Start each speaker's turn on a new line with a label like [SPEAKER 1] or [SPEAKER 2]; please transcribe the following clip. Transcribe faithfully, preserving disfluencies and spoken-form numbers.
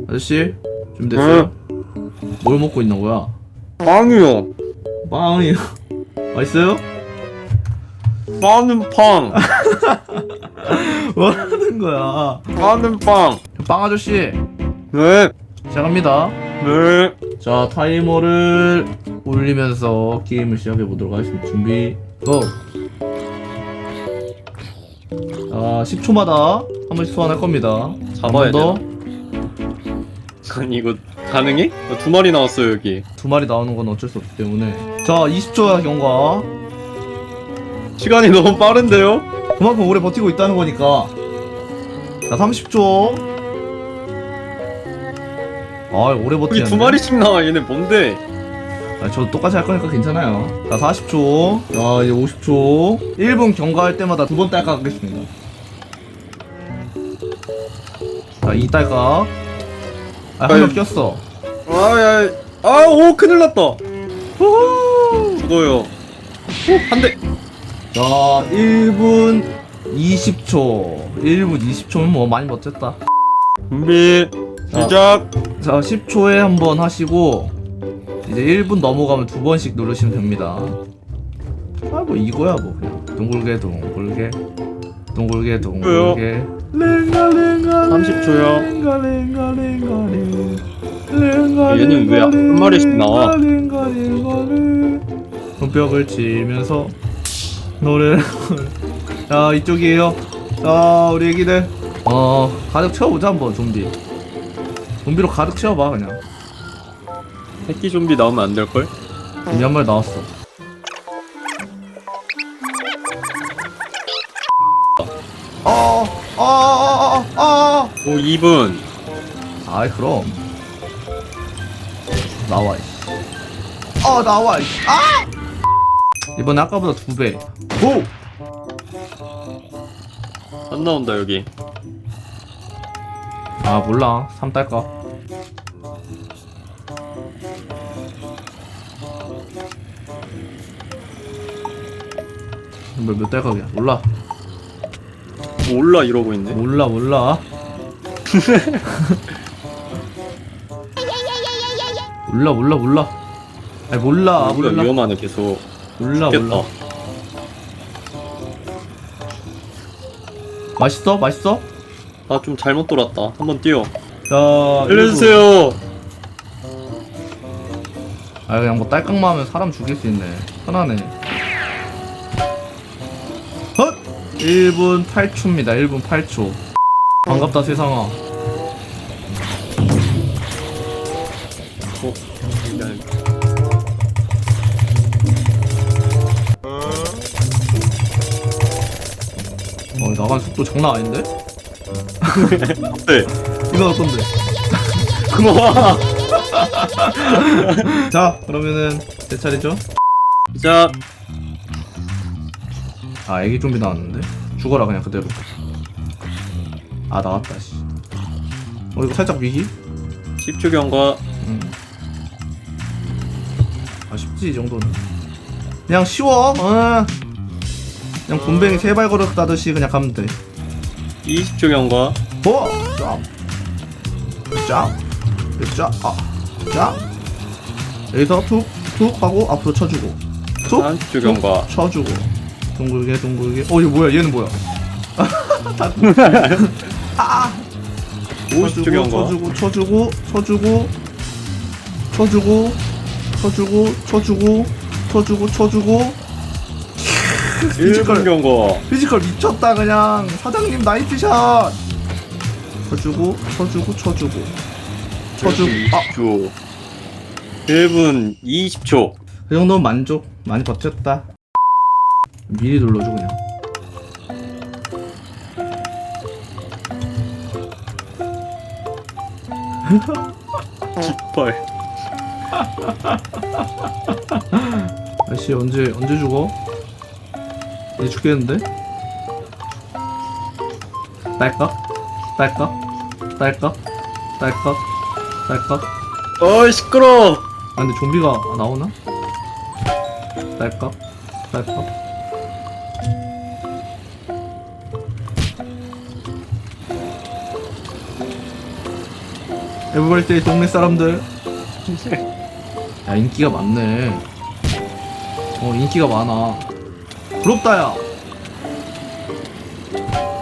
[SPEAKER 1] 아저씨 준비됐어요? 뭘 먹고 있는 거야?
[SPEAKER 2] 빵이요.
[SPEAKER 1] 빵이요. 맛있어요?
[SPEAKER 2] 빠는 빵.
[SPEAKER 1] 뭐 하는 거야?
[SPEAKER 2] 빠는 빵.
[SPEAKER 1] 빵 아저씨
[SPEAKER 2] 네.
[SPEAKER 1] 시작합니다.
[SPEAKER 2] 네.
[SPEAKER 1] 자, 타이머를 올리면서 게임을 시작해 보도록 하겠습니다. 준비 고! 자, 십 초마다 한 번씩 소환할 겁니다.
[SPEAKER 2] 잡아야
[SPEAKER 1] 한 번 더.
[SPEAKER 2] 아니 이거 가능해? 나 두 마리 나왔어요 여기.
[SPEAKER 1] 두 마리 나오는 건 어쩔 수 없기 때문에. 자, 이십 초야 경과.
[SPEAKER 2] 시간이 너무 빠른데요?
[SPEAKER 1] 그만큼 오래 버티고 있다는 거니까. 자, 삼십 초. 아, 오래
[SPEAKER 2] 여기
[SPEAKER 1] 버티네.
[SPEAKER 2] 두 마리씩 나와. 얘네 뭔데?
[SPEAKER 1] 아, 저 똑같이 할 거니까 괜찮아요. 자, 사십 초. 자, 이제 오십 초. 일 분 경과할 때마다 두 번 딸깍 하겠습니다. 자, 이 딸깍. 아, 한 명
[SPEAKER 2] 아유.
[SPEAKER 1] 꼈어.
[SPEAKER 2] 아야. 아오 큰일 났다.
[SPEAKER 1] 후후!
[SPEAKER 2] 죽어요. 한 대.
[SPEAKER 1] 자, 일 분 이십 초. 일 분 이십 초면 뭐 많이 버텼다.
[SPEAKER 2] 준비. 시작.
[SPEAKER 1] 자, 십 초에 한 번 하시고 이제 일 분 넘어가면 두 번씩 누르시면 됩니다. 아, 뭐 이거야 뭐 그냥 둥글게 둥글게 둥글게 둥글게 랭가랭가
[SPEAKER 2] 삼십 초요.
[SPEAKER 1] 랭가랭가랭가랭 랭가
[SPEAKER 2] 얘는 왜 한 마리씩 나와?
[SPEAKER 1] 랭가랭가랭 손뼉을 치면서 노래를 자, 이쪽이에요. 자, 우리 애기들 어 가득 채워보자 한번. 좀비 좀비로 가득 채워봐 그냥.
[SPEAKER 2] 새끼 좀비 나오면 안 될걸?
[SPEAKER 1] 좀비 한 마리 나왔어. 어, 어, 어, 어, 어.
[SPEAKER 2] 오 이 분.
[SPEAKER 1] 아이 그럼 나와. 이씨. 어, 나와. 이씨. 아! 이번에 아까보다 두 배. 고!
[SPEAKER 2] 안 나온다 여기.
[SPEAKER 1] 아, 몰라. 삼 딸까? 몇, 몇 딸깍이야? 몰라.
[SPEAKER 2] 몰라 이러고 있네.
[SPEAKER 1] 몰라, 몰라. 몰라, 몰라, 몰라. 아니, 몰라,
[SPEAKER 2] 우리가
[SPEAKER 1] 몰라.
[SPEAKER 2] 위험하네 계속.
[SPEAKER 1] 몰라,
[SPEAKER 2] 죽겠다.
[SPEAKER 1] 몰라. 맛있어? 맛있어?
[SPEAKER 2] 아 좀 잘못 돌았다. 한번 뛰어.
[SPEAKER 1] 자,
[SPEAKER 2] 알려주세요.
[SPEAKER 1] 아, 그냥 뭐 딸깍만 하면 사람 죽일 수 있네. 편하네. 헛! 일 분 팔 초입니다. 일 분 팔 초. 반갑다 세상아.
[SPEAKER 2] 어? 미안.
[SPEAKER 1] 어, 나간 속도 장난 아닌데?
[SPEAKER 2] 네.
[SPEAKER 1] 이거 어떤데?
[SPEAKER 2] 고마워.
[SPEAKER 1] 자, 그러면은 제 차례죠?
[SPEAKER 2] 시작.
[SPEAKER 1] 아, 애기 좀비 나왔는데? 죽어라 그냥 그대로. 아, 나왔다 씨. 어, 이거 살짝 위기?
[SPEAKER 2] 십 초 경과.
[SPEAKER 1] 음. 아, 쉽지 이 정도는. 그냥 쉬워. 어. 그냥 곰뱅이 세발 걸어 따듯이 그냥 가면 돼.
[SPEAKER 2] 이십 초 경과.
[SPEAKER 1] 어! 쫙! 쫙! 쫙! 아! 쫙! 여기서 툭! 툭! 하고 앞으로 쳐주고 툭!
[SPEAKER 2] 삼십 초
[SPEAKER 1] 툭!
[SPEAKER 2] 경과.
[SPEAKER 1] 쳐주고 둥글게 둥글게. 어, 이거 뭐야? 얘는 뭐야? 아!
[SPEAKER 2] 오십 초 경과.
[SPEAKER 1] 쳐주고 쳐주고 쳐주고 쳐주고 쳐주고 쳐주고 쳐주고 쳐주고
[SPEAKER 2] 일 분 경과.
[SPEAKER 1] 피지컬 미쳤다 그냥. 사장님 나이스샷. 쳐주고 쳐주고 쳐주고 쳐주고. 아,
[SPEAKER 2] 이십 초. 일 분 이십 초.
[SPEAKER 1] 그 정도면 만족. 많이 버텼다. 미리 눌러줘 그냥.
[SPEAKER 2] 깃발.
[SPEAKER 1] 아저씨 언제 언제 죽어? 이제 죽겠는데? 딸깍? 딸깍? 딸깍? 딸깍? 딸깍?
[SPEAKER 2] 어이 시끄러.
[SPEAKER 1] 아, 근데 좀비가 나오나? 딸깍? 딸깍? 에버벌스데이 동네 사람들. 야 인기가 많네. 어 인기가 많아. 부럽다 야.